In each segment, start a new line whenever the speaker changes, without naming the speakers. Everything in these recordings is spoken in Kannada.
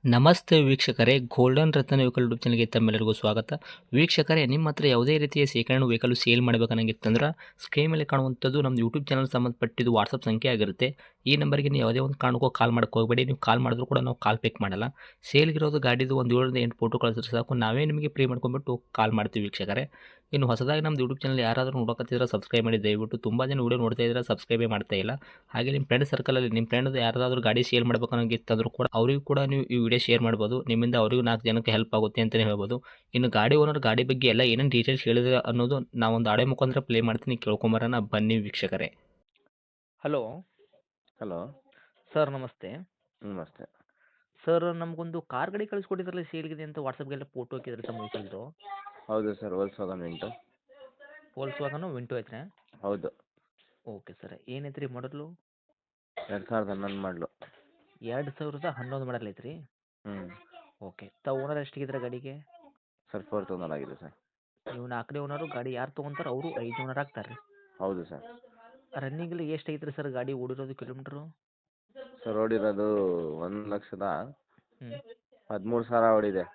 ನಮಸ್ತೆ ವೀಕ್ಷಕರೇ, ಗೋಲ್ಡನ್ ರತ್ನ ವೆಹಿಕಲ್ ಯೂಟ್ಯೂಬ್ ಚಾನಲ್ಗೆ ತಮ್ಮೆಲ್ಲರಿಗೂ ಸ್ವಾಗತ. ವೀಕ್ಷಕರೇ, ನಿಮ್ಮ ಹತ್ರ ಯಾವುದೇ ರೀತಿಯ ಶೇಖರಣೆ ವೆಹಿಕಲ್ ಸೇಲ್ ಮಾಡಬೇಕನ್ನಂಗಿತ್ತಂದ್ರೆ ಸ್ಕ್ರೀನ್ ಮೇಲೆ ಕಾಣುವಂಥದ್ದು ನಮ್ಮ ಯೂಟ್ಯೂಬ್ ಚಾನಲ್ ಸಂಬಂಧಪಟ್ಟಿದ್ದು ವಾಟ್ಸಪ್ ಸಂಖ್ಯೆ ಆಗಿರುತ್ತೆ. ಈ ನಂಬರ್ಗೆ ನೀವು ಯಾವುದೇ ಒಂದು ಕಾರಣಕ್ಕೂ ಕಾಲ್ ಮಾಡಕ್ಕೆ ಹೋಗಬೇಡಿ. ನೀವು ಕಾಲ್ ಮಾಡಿದ್ರು ಕೂಡ ನಾವು ಕಾಲ್ ಪಿಕ್ ಮಾಡಲ್ಲ. ಸೇಲ್ಗಿರೋದು ಗಾಡಿದು ಒಂದು 7ರಿಂದ 8 ಫೋಟೋ ಕಳಿಸಿದ್ರೆ ಸಾಕು, ನಾವೇ ನಿಮಗೆ ಪ್ರೀ ಮಾಡ್ಕೊಂಡ್ಬಿಟ್ಟು ಕಾಲ್ ಮಾಡ್ತೀವಿ ವೀಕ್ಷಕರೇ. ಇನ್ನು ಹೊಸದಾಗಿ ನಮ್ಮದು ಯೂಟ್ಯೂಬ್ ಚಾನಲ್ ಯಾರಾದರೂ ನೋಡಕತ್ತಿದ್ರೆ ಸಬ್ಸ್ಕ್ರೈಬ್ ಮಾಡಿ ದಯವಿಟ್ಟು. ತುಂಬ ಜನ ವೀಡಿಯೋ ನೋಡ್ತಾ ಇದ್ದಾರೆ, ಸಬ್ಸ್ಕ್ರೈಬೇ ಮಾಡ್ತಾ ಇಲ್ಲ. ಹಾಗೆ ನಿಮ್ಮ ಫ್ರೆಂಡ್ ಸರ್ಕಲಲ್ಲಿ ನಿಮ್ಮ ಫ್ರೆಂಡ್ ಯಾರಾದರೂ ಗಾಡಿ ಸೇಲ್ ಮಾಡ್ಬೇಕನ್ನೋಂಗಿತ್ತಂದ್ರೂ ಕೂಡ ಅವರಿಗೂ ಕೂಡ ನೀವು ಈ ವಿಡಿಯೋ ಶೇರ್ ಮಾಡ್ಬೋದು. ನಿಮ್ಮಿಂದ ಅವರಿಗೂ 4 ಜನಕ್ಕೆ ಹೆಲ್ಪ್ ಆಗುತ್ತೆ ಅಂತಲೇ ಹೇಳ್ಬೋದು. ಇನ್ನು ಗಾಡಿ ಓನರ್ ಗಾಡಿ ಬಗ್ಗೆ ಎಲ್ಲ ಏನೇನು ಡೀಟೇಲ್ಸ್ ಹೇಳಿದ್ರೆ ಅನ್ನೋದು ನಾವೊಂದು ಆಡಿಯೋ ಮುಖಾಂತರ ಪ್ಲೇ ಮಾಡ್ತೀನಿ, ಕೇಳ್ಕೊಂಬರೋಣ ಬನ್ನಿ ವೀಕ್ಷಕರೇ. ಹಲೋ
ಹಲೋ,
ಸರ್, ನಮಸ್ತೆ.
ನಮಸ್ತೆ.
ಸರ್, ನಮಗೊಂದು ಕಾರ್ ಗಾಡಿ ಕಳಿಸ್ಕೊಟ್ಟಿದ್ರಲ್ಲ ಸೇಲ್ಗಿದೆ ಅಂತ ವಾಟ್ಸಪ್ಗೆಲ್ಲ ಫೋಟೋ ಹಾಕಿದ್ರೆ ತಮ್ಮ ವೆಹಿಕಲ್ದು.
ಹೌದು sir, Volkswagen Vinto.
Volkswagen Vento ಐತ್ರಿ?
ಹೌದು,
ಓಕೆ ಸರ್. ಏನೈತ್ರಿ ಮಾಡಲು?
2011 ಮಾಡಲು.
2011 ಮಾಡಲ್ ಐತ್ರಿ?
ಹ್ಞೂ
ಓಕೆ. ತಾವು ಓನರ್ ಎಷ್ಟಿಗಿದ್ರೆ ಗಾಡಿಗೆ?
ಸರ್, 4,000 ಆಗಿದೆ ಸರ್.
ನೀವು 4ನೇ ಓನರು, ಗಾಡಿ ಯಾರು ತೊಗೊಂತಾರೆ ಅವರು 5 ಓನರ್ ಆಗ್ತಾರೆ ರೀ.
ಹೌದು ಸರ್.
ರನ್ನಿಂಗಲ್ಲಿ ಎಷ್ಟು ಐತ್ರಿ ಸರ್ ಗಾಡಿ ಓಡಿರೋದು ಕಿಲೋಮೀಟ್ರು?
ಸರ್, ಓಡಿರೋದು 1,13,000 ಓಡಿದೆ.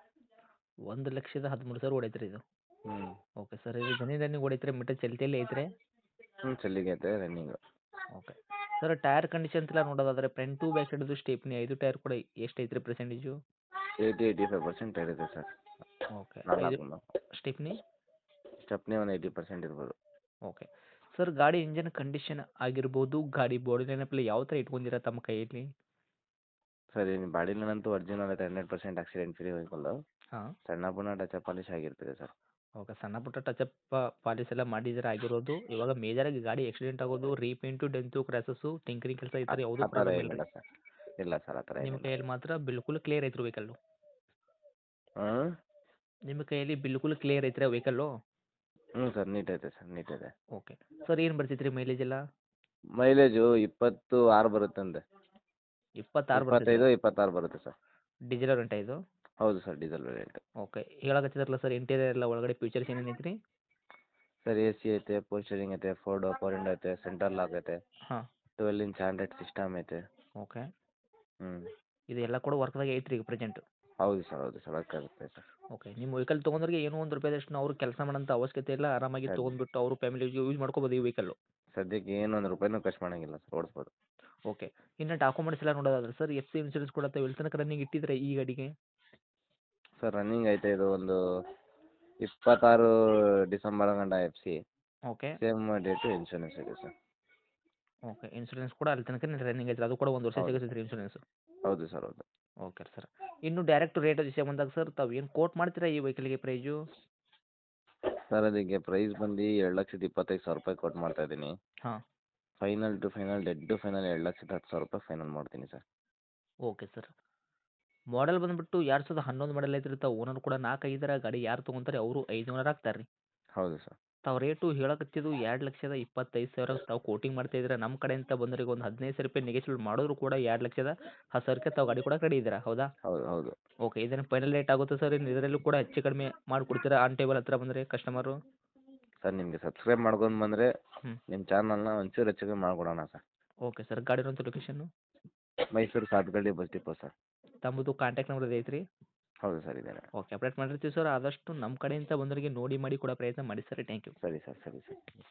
1,13,000 ಓಡೈತ್ರಿ ಇದು?
ಹ್ಞೂ
ಓಕೆ ಸರ್. ಇದು ರನ್ನಿಂಗ್ ಓಡೈತ್ರಿ, ಮೀಟರ್ ಚಲ್ತಿಯಲ್ಲಿ ಐತ್ರಿ?
ಚೆಲ್ಲಿಗೆ ಐತೆ running.
Okay sir. Tyre condition ಎಲ್ಲ ನೋಡೋದಾದ್ರೆ ಫ್ರಂಟ್ ಟು ಬ್ಯಾಕ್ ಸೈಡ್ದು ಸ್ಟೆಪ್ನಿ 5 ಟೈರ್ ಕೂಡ ಎಷ್ಟು ಐತ್ರಿ ಪರ್ಸೆಂಟೇಜು?
80-85% ಇದೆ ಸರ್.
ಓಕೆ.
ನಾಲ್ಕು
ಸ್ಟೆಪ್ನಿ?
ಸ್ಟೆಪ್ನಿ ಒಂದು 80% ಇರ್ಬೋದು.
Okay sir. ಗಾಡಿ ಇಂಜನ್ ಕಂಡೀಷನ್ ಆಗಿರ್ಬೋದು, ಗಾಡಿ ಬಾಡಿ ಲೈನಪ್ಪಲ್ಲಿ ಯಾವ ಥರ ಇಟ್ಕೊಂಡಿರ ತಮ್ಮ ಕೈಯಲ್ಲಿ?
ಸರ್, ಏನು ಬಾಡಿಲಂತೂ ಒರಿಜಿನಲ್ ಐತೆ, 100% ಆಕ್ಸಿಡೆಂಟ್ ಫ್ರೀ ವೆಹಿಕಲ್ಲು.
ಹಾಂ.
ಸಣ್ಣ ಪುಣ್ಣ ಟಚ್ ಪಾಲಿಶ್ ಆಗಿರ್ತದೆ ಸರ್.
ಓಕೆ. ಸಣ್ಣ ಪುಟ್ಟ ಟಚಪ್ ಪಾಲಿಸ್ ಎಲ್ಲ ಮಾಡಿದ್ರೆ ಆಗಿರೋದು. ಇವಾಗ ಮೇಜರಾಗಿ ಗಾಡಿ ಆಕ್ಸಿಡೆಂಟ್ ಆಗೋದು, ರೀಪೇಂಟು, ಡೆಂತು, ಕ್ರ್ಯಾಸಸ್ಸು, ಟಿಂಕರಿಂಗ್ ಕೆಲಸ ಈ ಥರ ಯಾವುದೂ
ಆ ಥರ
ಪ್ರಾಬ್ಲಮ್ ಇಲ್ಲ ರೀ?
ಏನಿಲ್ಲ ಸರ್. ಇಲ್ಲ ಸರ್, ಆ ಥರ
ನಿಮ್ಮ
ಏನಿಲ್ಲ.
ಕೈಯಲ್ಲಿ ಮಾತ್ರ ಬಿಲ್ಕುಲ್ ಕ್ಲಿಯರ್ ಐತ್ರಿ ವೆಹಿಕಲ್ಲು?
ಹಾಂ.
ನಿಮ್ಮ ಕೈಯಲ್ಲಿ ಬಿಲ್ಕುಲ್ ಕ್ಲಿಯರ್ ಐತ್ರಿ ವೆಹಿಕಲ್ಲು?
ಹ್ಞೂ ಸರ್, ನೀಟ್ ಐತೆ ಸರ್, ನೀಟ್ ಇದೆ.
Okay sir. ಏನು ಬರ್ತೈತ್ರಿ ಮೈಲೇಜ್ ಎಲ್ಲ?
ಮೈಲೇಜು 26 ಬರುತ್ತಂತೆ.
26 ಬರ್ತೈತೆ?
25, 26 ಬರುತ್ತೆ ಸರ್.
ಡೀಸೆಲ್ ರೆಂಟ ಇದು?
ಹೌದು ಸರ್, ಡೀಸೆಲ್ ವೇರಿಯಂಟ್.
ಓಕೆ. ಹೇಳಕತ್ತಿದ್ರಲ್ಲ ಸರ್ ಇಂಟೀರಿಯರ್ ಎಲ್ಲ ಒಳಗಡೆ ಫೀಚರ್ಸ್ ಏನೇನು ಐತ್ರಿ?
ಸರ್, ಎ ಸಿ ಐತೆ, ಪವರ್ ಸ್ಟೀರಿಂಗ್ ಐತೆ, ಪವರ್ ವಿಂಡೋ ಐತೆ, ಸೆಂಟ್ರಲ್ ಲಾಕ್ ಐತೆ,
ಹಾಂ.
12 ಇಂಚ್ ಆಂಡ್ರಾಯ್ಡ್ ಸಿಸ್ಟಮ್ ಐತೆ.
ಓಕೆ.
ಹ್ಞೂ
ಇದು ಎಲ್ಲ ಕೂಡ ವರ್ಕ್ದಾಗೆ ಐತ್ರಿ ಈಗ ಪ್ರೆಸೆಂಟ್?
ಹೌದು ಸರ್, ಹೌದು ಸರ್, ವರ್ಕಾಗುತ್ತೆ ಸರ್.
ಓಕೆ. ನಿಮ್ಮ ವೆಹಿಕಲ್ ತೊಗೊಂಡ್ರಿಗೆ ಏನೋ ಒಂದು ರೂಪಾಯಿದಷ್ಟು ಅವ್ರು ಕೆಲಸ ಮಾಡೋಂಥ ಅವಶ್ಯಕತೆ ಇಲ್ಲ. ಆರಾಮಾಗಿ
ಸರ್,
ತೊಗೊಂಡ್ಬಿಟ್ಟು ಅವರು ಫ್ಯಾಮಿಲಿಗೆ ಯೂಸ್ ಮಾಡ್ಕೋಬೋದು ಈ ವೆಹಿಕಲ್ಲು?
ಸದ್ಯಕ್ಕೆ ಏನು ಒಂದು ರೂಪಾಯಿನೂ ಖರ್ಚು ಮಾಡೋಂಗಿಲ್ಲ ಸರ್, ಓಡಿಸ್ಬೋದು.
ಓಕೆ. ಇನ್ನು ಡಾಕ್ಯುಮೆಂಟ್ಸ್ ಎಲ್ಲ ನೋಡೋದಾದ್ರೆ ಸರ್, ಎಫ್ ಸಿ ಇನ್ಸೂರೆನ್ಸ್ ಕೂಡ ತಾವು ಎಲ್ಲಿ ತನಕ ರನ್ನಿಂಗ್ ಇಟ್ಟಿದ್ರೆ ಈ ಗಾಡಿಗೆ?
ಸರ್, ರನ್ನಿಂಗ್ ಐತೆ ಇದು ಒಂದು 26 ಡಿಸೆಂಬರ್ ಗಂಟ F C.
Okay.
Same date insurance ಇದೆ ಸರ್.
ಓಕೆ. ಇನ್ಸೂರೆನ್ಸ್ ಕೂಡ ಅಲ್ಲಿ ತನಕ ರನ್ನಿಂಗ್ ಐತ್ರಿ? ಅದು ಕೂಡ 1 ವರ್ಷ
ಹೌದು.
ಸಿಗುತ್ತೆ ಇನ್ಸೂರೆನ್ಸು?
ಹೌದು ಸರ್, ಹೌದು.
Okay sir. ಇನ್ನು ಡೈರೆಕ್ಟ್ ರೇಟ್ ವಿಷಯ ಬಂದಾಗ ಸರ್, ತಾವು ಏನು ಕೋಟ್ ಮಾಡ್ತೀರಾ ಈ ವೆಹಿಕಲ್ಗೆ ಪ್ರೈಜು?
ಸರ್, ಅದಕ್ಕೆ ಪ್ರೈಸ್ ಬಂದು 2,25,000 ಕೊಟ್ಟು ಮಾಡ್ತಾ ಇದ್ದೀನಿ.
ಹಾಂ.
Final to final, dead to final 2,10,000 final ಮಾಡ್ತೀನಿ ಸರ್.
Okay sir. ಮಾಡೆಲ್ ಬಂದುಬಿಟ್ಟು 2011 ಮಾಡೆಲ್ ಐತ್ರಿ. ತಾವು ಓನರ್ ಕೂಡ 4 ಆಗಿದ್ದಾರೆ. ಗಾಡಿ ಯಾರು ತೊಗೊಂತಾರೆ ಅವರು 5 ಓನರ್ ಆಗ್ತಾರೆ ರೀ.
ಹೌದು ಸರ್.
ತಾವು ರೇಟು ಹೇಳಕತ್ತಿದ್ದು 2,25,000 ತಾವು ಕೋಟಿಂಗ್ ಮಾಡ್ತಾ ಇದ್ದೀರಾ. ನಮ್ಮ ಕಡೆಯಿಂದ ಬಂದವರಿಗೆ ಒಂದು 15,000 ನೆಗೆಶ್ವಲ್ ಮಾಡಿದ್ರು ಕೂಡ 2,10,000 ತಾವು ಗಾಡಿ ಕೂಡ ರೆಡಿ ಇದ್ದೀರಾ, ಹೌದಾ?
ಹೌದು, ಹೌದು.
ಓಕೆ. ಇದೇನು ಫೈನಲ್ ರೇಟ್ ಆಗುತ್ತೆ ಸರ್? ಇನ್ನು ಇದರಲ್ಲೂ ಕೂಡ ಹೆಚ್ಚು ಕಡಿಮೆ ಮಾಡಿಕೊಡ್ತೀರಾ ಆನ್ ಟೇಬಲ್ ಹತ್ರ ಬಂದರೆ ಕಸ್ಟಮರು?
ಸರ್, ನಿಮಗೆ ಸಬ್ಸ್ಕ್ರೈಬ್ ಮಾಡ್ಕೊಂಡು ಬಂದರೆ
ಹ್ಞೂ.
ನಿಮ್ಮ ಚಾನಲ್ನ ಒಂಚೂರು ಹೆಚ್ಚು ಕಮ್ಮಿ ಮಾಡಿಕೊಡೋಣ ಸರ್.
Okay sir. ಗಾಡಿ ಇರೋಂಥ location?
Mysuru Sathagalli bus depot sir.
ತಮ್ಮದು ಕಾಂಟ್ಯಾಕ್ಟ್ ನಂಬರ್ ಐತ್ರಿ?
ಹೌದು ಸರ್, ಇದೇನೆ.
ಓಕೆ. ಅಪ್ಡೇಟ್ ಮಾಡಿರ್ತೀವಿ ಸರ್. ಆದಷ್ಟು ನಮ್ಮ ಕಡೆಯಿಂದ ಬಂದವರಿಗೆ ನೋಡಿ ಮಾಡಿ ಕೊಡೋ ಪ್ರಯತ್ನ ಮಾಡಿ ಸರ್. Thank you.
ಸರಿ ಸರ್, ಸರಿ ಸರ್.